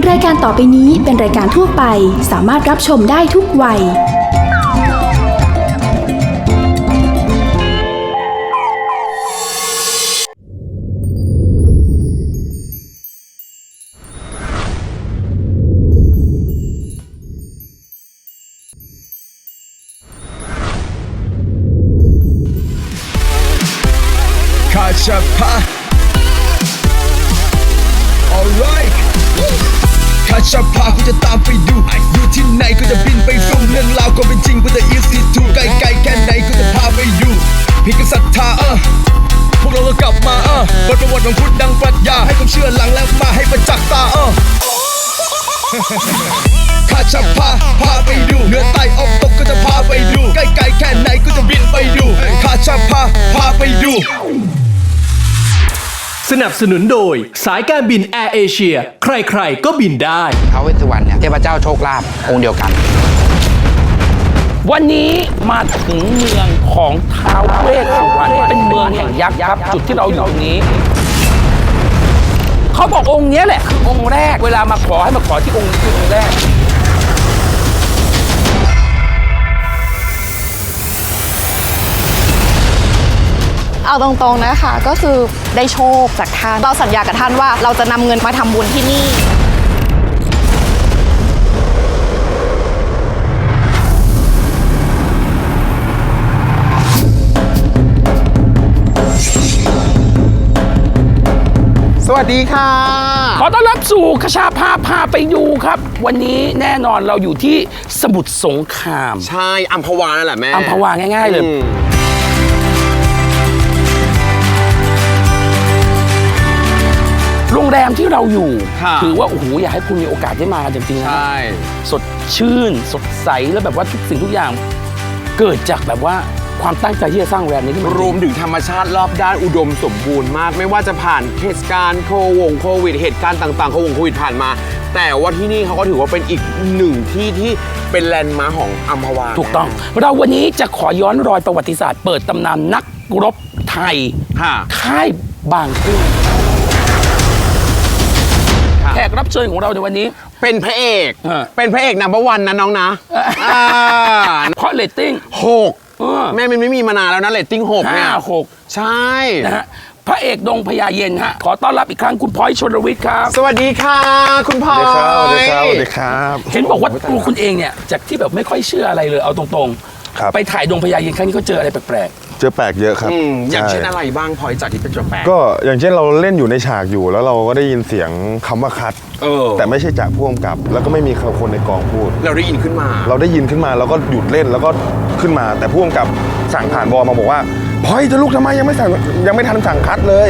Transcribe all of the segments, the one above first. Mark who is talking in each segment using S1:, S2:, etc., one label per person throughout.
S1: รายการต่อไปนี้เป็นรายการทั่วไปสามารถรับชมได้ทุกวัย
S2: Kachapa Alright Kachapa กูจะตามไปดูอยู่ที่ไหนกูจะบินไปดูเรื่องราวก็เป็นจริงกูจะ easy to ไกลๆแค่ไหนกูจะพาไปอยู่พี่ก็ศรัทธาพวกเราก็กลับมาบทประวัติของพุทธดังปรัชญาให้ความเชื่อหลังแล้วมาให้ประจักษ์ตาKachapa พาไปดูเหนือใต้ออกตกก็จะพาไปดูใกล้ๆแค่ไหนกูจะบินไปดูKachapa พาไปดู
S3: สนับสนุนโดยสายการบินแอร์เอเชียใครๆก็บินได้
S4: ท้าวเวสสุวรรณเนี่ยเทพเจ้าโชคลาภองค์เดียวกัน
S5: วันนี้มาถึงเมืองของท้าวเวสสุวรรณเป็นเมืองแห่งยักษ์ครับจุดที่เราอยู่ตรงนี้เขาบอกองค์นี้แหละคือองค์แรกเวลามาขอให้มาขอที่องค์นี้คือองค์แรก
S6: เอาตรงๆนะคะก็คือได้โชคจากท่านเราสัญญากับท่านว่าเราจะนำเงินมาทำบุญที่นี่
S4: สวัสดีค่ะ
S5: ขอต้อนรับสู่คชาพาไปดูครับวันนี้แน่นอนเราอยู่ที่สมุทรสงคราม
S4: ใช่อัมพวานั่นแหละแม่
S5: อัมพวาง่ายๆเลยโรงแรมที่เราอยู่ถือว่าโอ้โหอยากให้คุณมีโอกาสได้มากันจริงๆนะสดชื่นสดใสแล้วแบบว่าทุกสิ่งทุกอย่างเกิดจากแบบว่าความตั้งใจที่จะสร้างโรงแรมนี้ขึ้นมาร
S4: วมถึงธรรมชาติรอบด้านอุดมสมบูรณ์มากไม่ว่าจะผ่านเทศกาลโควิดเหตุการณ์ต่างๆโควิดผ่านมาแต่ว่าที่นี่เขาก็ถือว่าเป็นอีกหนึ่งที่เป็นแลนด์มาร์คของอัมพวา
S5: ถูกต้องเราวันนี้จะขอย้อนรอยประวัติศาสตร์เปิดตำนานนักรบไทยค่ายบางกุ้งแขกรับเชิญของเราในวันนี้
S4: เป็นพระเอกนัมเบอร์วันนะน้องนะ
S5: เพราะเรตติ้ง
S4: 6แม่มันไม่มีมานานแล้วนะเรตติ้ง6เนี่ย
S5: 6
S4: ใช่
S5: นะฮะพระเอกดงพญาเย็นฮะขอต้อนรับอีกครั้งคุณพลอยชลวิทย์ครับ
S4: สวัสดีค่ะคุณพลอย
S2: สวัสดีครับ
S5: เห็นบอกว่าตัวคุณเองเนี่ยจากที่แบบไม่ค่อยเชื่ออะไรเลยเอาตรงๆไปถ่ายดงพญาเย็นครั้งนี้ก็เจออะไรแปลก
S2: เจอแปลกเยอะครับ
S4: อย่างเช่นอะไรบ้างพลอยจากที่เป็นแปลก
S2: ก็อย่างเช่นเราเล่นอยู่ในฉากอยู่แล้วเราก็ได้ยินเสียงคำว่าคัดแต่ไม่ใช่จากผู้กำกับแล้วก็ไม่มีคนในกองพูด
S4: เราได้ยินขึ้นมา
S2: แล้วก็หยุดเล่นแล้วก็ขึ้นมาแต่ผู้กำกับสั่งผ่านบอมาบอกว่าพลอยจะลุกทำไมยังไม่ทันสั่งคัดเลย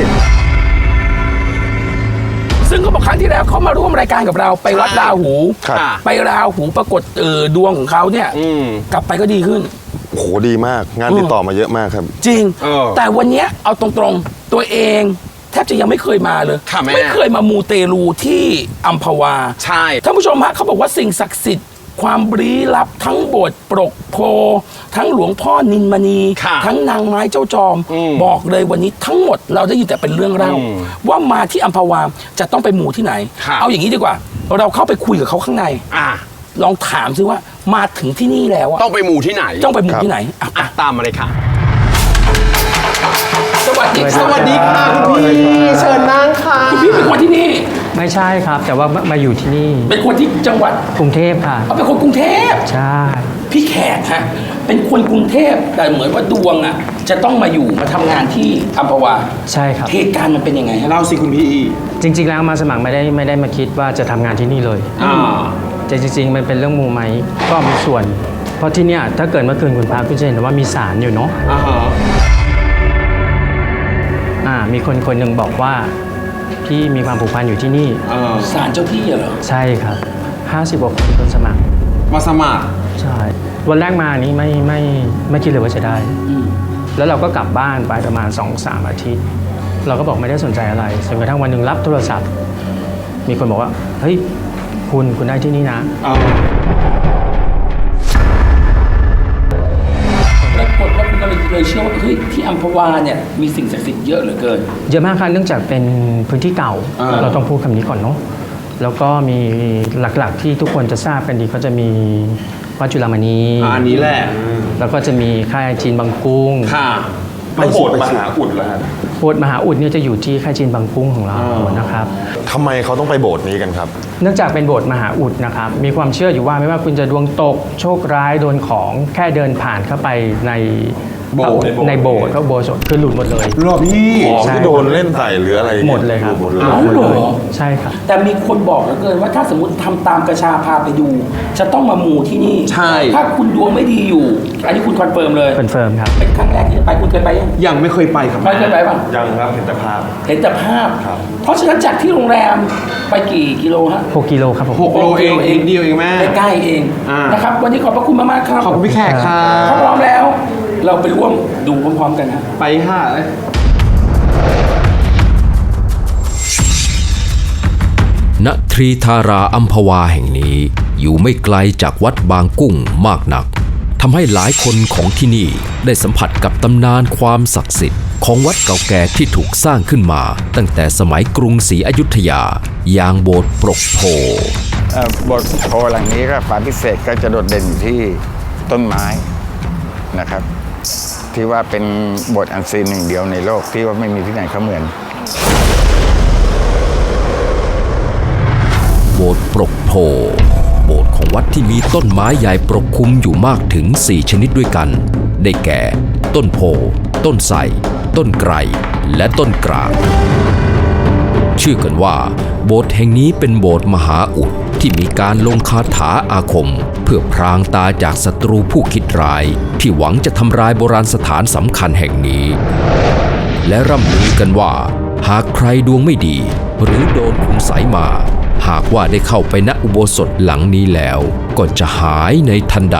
S5: ซึ่งเขาบอกครั้งที่แล้วเขามาร่วมรายการกับเราไปวัดราหูไปราหูปรากฏดวงของเขาเนี่ยกลับไปก็ดีขึ้น
S2: โหดีมากงานติดต่อมาเยอะมากครับ
S5: จริงแต่วันนี้เอาตรงๆตัวเองแทบจะยังไม่เคยมาเลยไม่เคยมามูเตลูที่อัมพวา
S4: ใช่
S5: ท่านผู้ชมฮะเขาบอกว่าสิ่งศักดิ์สิทธิ์ความลี้ลับทั้งโบสถ์ปรกโพทั้งหลวงพ่อนินมณีทั้งนางไม้เจ้าจอมบอกเลยวันนี้ทั้งหมดเราได้ยินแต่เป็นเรื่องเล่าว่ามาที่อัมพวาจะต้องไปมูที่ไหนเอาอย่างนี้ดีกว่าเราเข้าไปคุยกับเขาข้างในลองถามซิว่ามาถึงที่นี่แล้ว
S4: ต้องไปหมู่ที่ไหน
S5: ต
S4: ามมาเลยค่ะ
S5: สวัสดี
S4: ค่ะคุณพี่เชิญนั่งค่ะ
S5: คุณพี่เป็นคนที่นี่
S7: ไม่ใช่ครับแต่ว่ามาอยู่ที่นี่
S5: เป็นคนที่จังหวัด
S7: กรุงเทพค่ะ
S5: เป็นคนกรุงเทพ
S7: ใช่
S5: พี่แขกฮะเป็นคนกรุงเทพแต่เหมือนว่าดวงอ่ะจะต้องมาอยู่มาทำงานที่อัมพวา
S7: ใช่ครับ
S5: เหตุการณ์มันเป็นยังไง
S4: เล่าสิคุณพี่
S7: จริงๆแล้วมาสมัครไม่ได้มาคิดว่าจะทำงานที่นี่เลยแต่จริงๆมันเป็นเรื่องมูไหมก็มีส่วนเพราะที่เนี่ยถ้าเกิดเมื่อคืนคุณพาคุณจะเห็นว่ามีศาลอยู่เนาะมีคนหนึ่งบอกว่าพี่มีความผูกพันอยู่ที่นี่
S5: ศาลเจ้าที่เหรอ
S7: ใช่ครับ50 กว่าคนสมัคร
S4: มาสมัคร
S7: ใช่วันแรกมานี้ไม่คิดเลยว่าจะได้แล้วเราก็กลับบ้านไปประมาณ 2-3 อาทิตย์เราก็บอกไม่ได้สนใจอะไรจนกระทั่งวันหนึ่งรับโทรศัพท์มีคนบอกว่าเฮ้ยคุณได้ที่นี่นะ
S5: ปรากฏว่าคุณก็เลยเชื่อว่าเฮ้ยที่อัมพวาเนี่ยมีสิ่งศักดิ์สิทธิ์เยอะเหลือเกิน
S7: เยอะมากค่ะเนื่องจากเป็นพื้นที่เก่าเราต้องพูดคำนี้ก่อนเนาะแล้วก็มีหลักๆที่ทุกคนจะทราบกันดีก็จะมีวัดจุฬามณี
S4: อันนี้แหละ
S7: แล้วก็จะมีค่ายจีนบางกุ้ง
S4: ค่ะ
S8: แล้วโบสถ์มหาอุดเหรอฮะ
S7: โบสถ์มหาอุดเนี่ยจะอยู่ที่ค่ายจีนบางกุ้งของเรานะครับ
S8: ทำไมเขาต้องไปโบสถ์นี้กันครับ
S7: เนื่องจากเป็นโบสถ์มหาอุดนะครับมีความเชื่ออยู่ว่าไม่ว่าคุณจะดวงตกโชคร้ายโดนของแค่เดินผ่านเข้าไปในโบสถ์พระอุโบสถคือหลุดหมดเลย
S8: รอบพี่ของ
S7: ใช่
S8: ที่โดนเล่นใส่หรืออะไร
S7: หมดเลยครับ
S8: หมดเลย
S5: เอาเหรอ
S7: ใช่ครับ
S5: แต่มีคนบอกเหลือเกินว่าถ้าสมมติทำตามกระชาพาไปดู จะต้องมามูที่นี่
S4: ใช่
S5: ถ้าคุณดวงไม่ดีอยู่ อันนี้คุณคอนเฟิร์มเลย
S7: คอนเฟิร์มครับ
S5: เป็นครั้งแรกที่จะไปคุณเคยไปยัง
S4: ยังไม่เคยไปครับ
S5: ไม่เคยไปป่ะ
S8: ยังครับเห็นแต่ภาพ
S5: เห็นแต่ภาพ
S8: ครับ
S5: เพราะฉะนั้นจากที่โรงแรมไปกี่กิโลฮะ
S7: 6 กิโลครับผม
S4: 6 โลเองนิดเดียวเองแม่
S5: ใกล้ๆเอง
S4: อ่าน
S5: นะครับ วันนี้ขอบพระคุณมากๆครับ
S4: ขอบคุณพี่แขกครั
S5: ถ้า
S4: บ
S5: พร้อมแล้ว เราไปร่วมดูพร้อมๆกันนะ
S4: ไปค่ะเลย
S9: ณทรีธาราอัมพวาแห่งนี้อยู่ไม่ไกลจากวัดบางกุ้งมากนักทำให้หลายคนของที่นี่ได้สัมผัสกับตำนานความศักดิ์สิทธิ์ของวัดเก่าแก่ที่ถูกสร้างขึ้นมาตั้งแต่สมัยกรุงศรีอยุธยาอย่างโบสถ์ปรกโพ
S10: โบสถ์โพหลังนี้ก็ความพิเศษก็จะโดดเด่นอยู่ที่ต้นไม้นะครับ ที่ว่าเป็นโบสถ์อันซีนหนึ่งเดียวในโลกที่ว่าไม่มีที่ไหนเขาเหมือน
S9: โบสถ์ปรกโพโบสถ์ของวัดที่มีต้นไม้ใหญ่ปกคลุมอยู่มากถึง 4 ชนิดด้วยกัน ได้แก่ ต้นโพ ต้นไทร ต้นไกร และต้นกลาง เชื่อกันว่าโบสถ์แห่งนี้เป็นโบสถ์มหาอุดที่มีการลงคาถาอาคม เพื่อพรางตาจากศัตรูผู้คิดร้ายที่หวังจะทำลายโบราณสถานสำคัญแห่งนี้ และร่ำลือกันว่า หากใครดวงไม่ดีหรือโดนคุณไสยมา หากว่าได้เข้าไปณอุโบสถหลังนี้แล้วก็จะหายในทันใด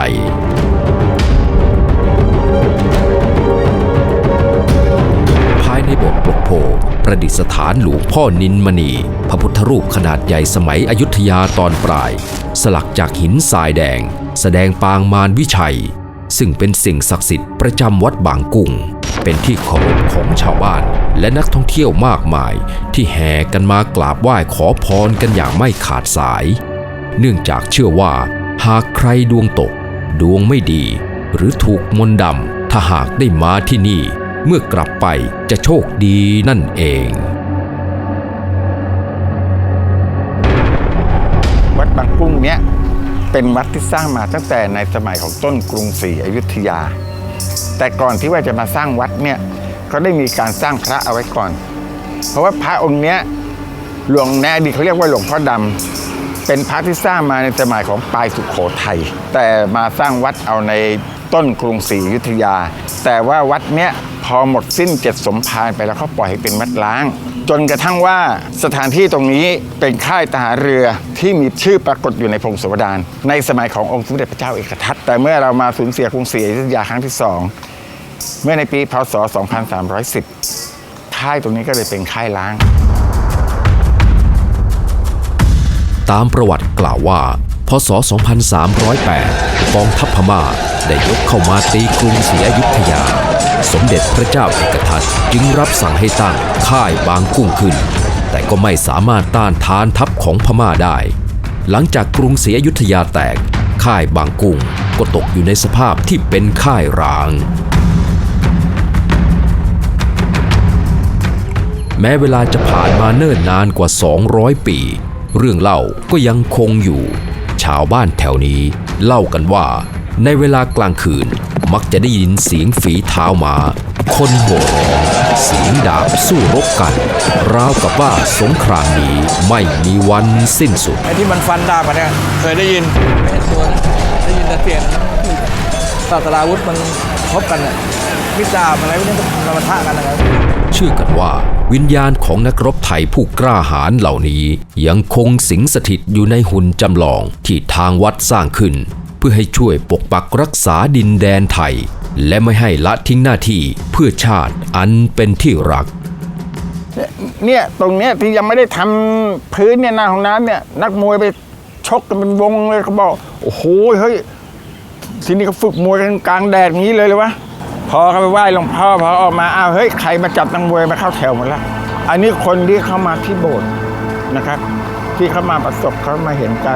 S9: ภายในโบสถ์ปรกโพประดิษฐานหลวงพ่อนินมณีพระพุทธรูปขนาดใหญ่สมัยอยุธยาตอนปลาย สลักจากหินทรายแดงแสดงปางมารวิชัย ซึ่งเป็นสิ่งศักดิ์สิทธิ์ประจำวัดบางกุ้ง เป็นที่เคารพของชาวบ้านและนักท่องเที่ยวมากมายที่แห่กันมากราบไหว้ขอพรกันอย่างไม่ขาดสาย เนื่องจากเชื่อว่าหากใครดวงตก ดวงไม่ดี หรือถูกมนต์ดำถ้าหากได้มาที่นี่เมื่อกลับไปจะโชคดีนั่นเอง
S10: วัดบางกุ้งเนี้ยเป็นวัดที่สร้างมาตั้งแต่ในสมัยของต้นกรุงศรีอยุธยา แต่ก่อนที่ว่าจะมาสร้างวัดเนี่ยเขาได้มีการสร้างพระเอาไว้ก่อน เพราะว่าพระองค์เนี้ยหลวงแนอดีตเขาเรียกว่าหลวงพ่อดำเป็นพระที่สร้างมาในสมัยของปลายสุโขทัยแต่มาสร้างวัดเอาในต้นกรุงศรีอยุธยา แต่ว่าวัดเนี้ยพอหมดสิ้น7 สมภารไปแล้วเขาปล่อยให้เป็นวัดร้าง จนกระทั่งว่าสถานที่ตรงนี้เป็นค่ายทหารเรือที่มีชื่อปรากฏอยู่ในพงศาวดารในสมัยขององค์สมเด็จพระเจ้าเอกทัตแต่เมื่อเรามาสูญเสียกรุงศรีอยุธยาครั้งที่ 2 เมื่อในปีพ.ศ. 2310 ค่ายตรงนี้ก็เลยเป็นค่ายล้าง
S9: ตามประวัติกล่าวว่า พ.ศ. 2308 กองทัพพม่าได้ยกเข้ามาตีกรุงศรีอยุธยา สมเด็จพระเจ้าเอกทัตจึงรับสั่งให้ตั้งค่ายบางกุ้งขึ้น แต่ก็ไม่สามารถต้านทานทัพของพม่าได้ หลังจากกรุงศรีอยุธยาแตก ค่ายบางกุ้งก็ตกอยู่ในสภาพที่เป็นค่ายร้าง แม้เวลาจะผ่านมาเนิ่นนานกว่า 200 ปี เรื่องเล่าก็ยังคงอยู่ ชาวบ้านแถวนี้เล่ากันว่าในเวลากลางคืนมักจะได้ยินเสียงฝีเท้าม้าคนโห่ร้องเสียงดาบสู้รบกัน ราวกับว่าสงครามนี้ไม่มีวันสิ้นสุด
S11: ไอ้ที่มันฟันดาบกันเนี่ยเคยได้ยินไม่เห็นตัวนะได้ยินแต่เสียงศาสตราวุธมันพบกันน่ะมิดดาบอะไรพวกนี้มันปะทะกันนะครับ
S9: เชื่อกันว่าวิญญาณของนักรบไทยผู้กล้าหาญเหล่านี้ยังคงสิงสถิตอยู่ในหุ่นจำลองที่ทางวัดสร้างขึ้น เพื่อให้ช่วยปกปักรักษาดินแดนไทย และไม่ให้ละทิ้งหน้าที่เพื่อชาติอันเป็นที่รัก
S10: เนี่ยตรงเนี้ยที่ยังไม่ได้ทำพื้นเนี่ยหน้าห้องน้ำเนี่ยนักมวยไปชกกันเป็นวงเลยเขาบอกโอ้โหเฮ้ยทีนี้เขาฝึกมวยกันกลางแดดอย่างนี้เลยวะพอเขาไปไหว้หลวงพ่อพอออกมาอ้าวเฮ้ยใครมาจับนักมวยมาเข้าแถวหมดแล้วอันนี้คนที่เข้ามาที่โบสถ์นะครับที่เขามาประสบเขามาเห็นกัน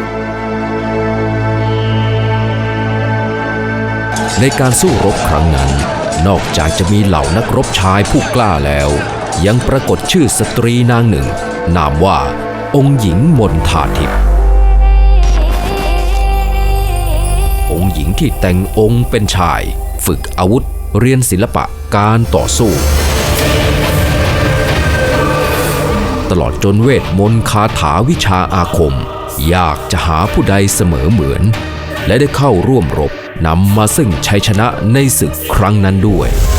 S9: ในการสู้รบครั้งนั้น นอกจากจะมีเหล่านักรบชายผู้กล้าแล้ว ยังปรากฏชื่อสตรีนางหนึ่ง นามว่าองค์หญิงมนทาทิพย์องค์หญิงที่แต่งองค์เป็นชาย ฝึกอาวุธเรียนศิลปะการต่อสู้ ตลอดจนเวทมนต์คาถาวิชาอาคม ยากจะหาผู้ใดเสมอเหมือน และได้เข้าร่วมรบนำมาซึ่งชัยชนะในศึกครั้งนั้นด้วย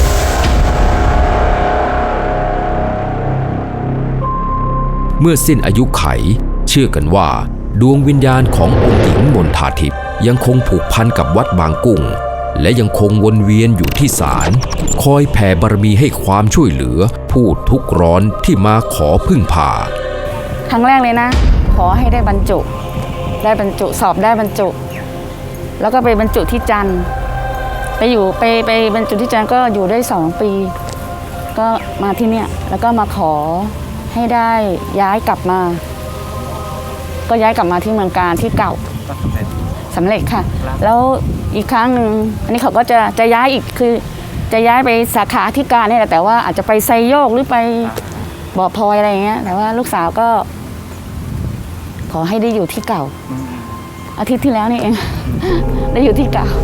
S9: เมื่อสิ้นอายุไขเชื่อกันว่าดวงวิญญาณขององค์หญิงมนทาทิพย์ยังคงผูกพันกับวัดบางกุ้งและยังคงวนเวียนอยู่ที่ศาลคอยแผ่บารมีให้ความช่วยเหลือผู้ทุกข์ร้อนที่มาขอพึ่งพา
S6: ครั้งแรกเลยนะ ขอให้ได้บรรจุสอบได้บรรจุ แล้วก็ไปบรรจุที่จันทร์ไปบรรจุที่จันทร์ก็อยู่ได้2 ปี ก็มาที่เนี่ยแล้วก็มาขอให้ได้ย้ายกลับมา ก็ย้ายกลับมาที่เมืองการที่เก่าสำเร็จค่ะ แล้วอีกครั้งหนึ่งอันนี้เขาก็จะย้ายอีกคือจะย้ายไปสาขาที่การนี่แหละแต่ว่าอาจจะไปไซโยกหรือไปบ่อพลอยอะไรอย่างเงี้ยแต่ว่าลูกสาวก็ขอให้ได้อยู่ที่เก่าอาทิตย์ที่แล้วนี่เอง ได้อยู่ที่เก่า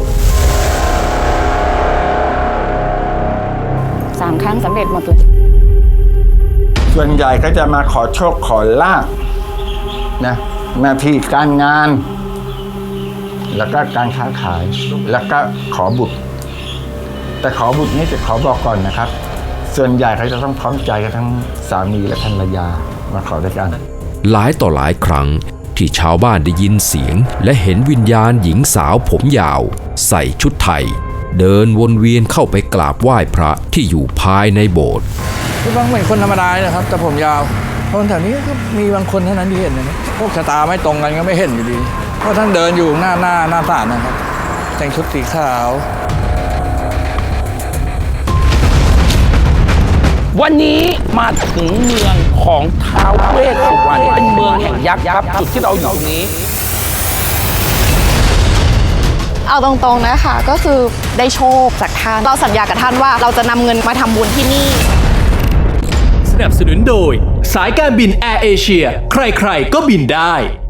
S6: 3 ครั้งสำเร็จหมดเลย
S10: ส่วนใหญ่ก็จะมาขอโชคขอลาภนะหน้าที่การงาน แล้วก็การค้าขายแล้วก็ขอบุตร แต่ขอบุตรนี่จะขอบอกก่อนนะครับ ส่วนใหญ่เขาจะต้องพร้อมใจกันทั้งสามีและภรรยามาขอด้วยกัน
S9: หลายต่อหลายครั้งที่ชาวบ้านได้ยินเสียงและเห็นวิญญาณหญิงสาวผมยาว ใส่ชุดไทย เดินวนเวียนเข้าไปกราบไหว้พระที่อยู่ภายในโบสถ์
S11: บางเหมือนคนธรรมดานะครับแต่ผมยาวคนแถวนี้ก็มีบางคนเท่านั้นที่เห็นนะพวกชะตาไม่ตรงกันก็ไม่เห็นอยู่ดีเพราะท่านเดินอยู่หน้าศาลนะครับแต่งชุดสีขาว
S5: วันนี้มาถึงเมืองของท้าวเวสสุวรรณเป็นเมืองแห่งยักษ์ครับจุดที่เราอยู่ตรงนี้
S6: เอาตรงๆนะคะก็คือได้โชคจากท่านเราสัญญากับท่านว่าเราจะนำเงินมาทำบุญที่นี่
S3: สนับสนุนโดยสายการบินแอร์เอเชียใครๆก็บินได้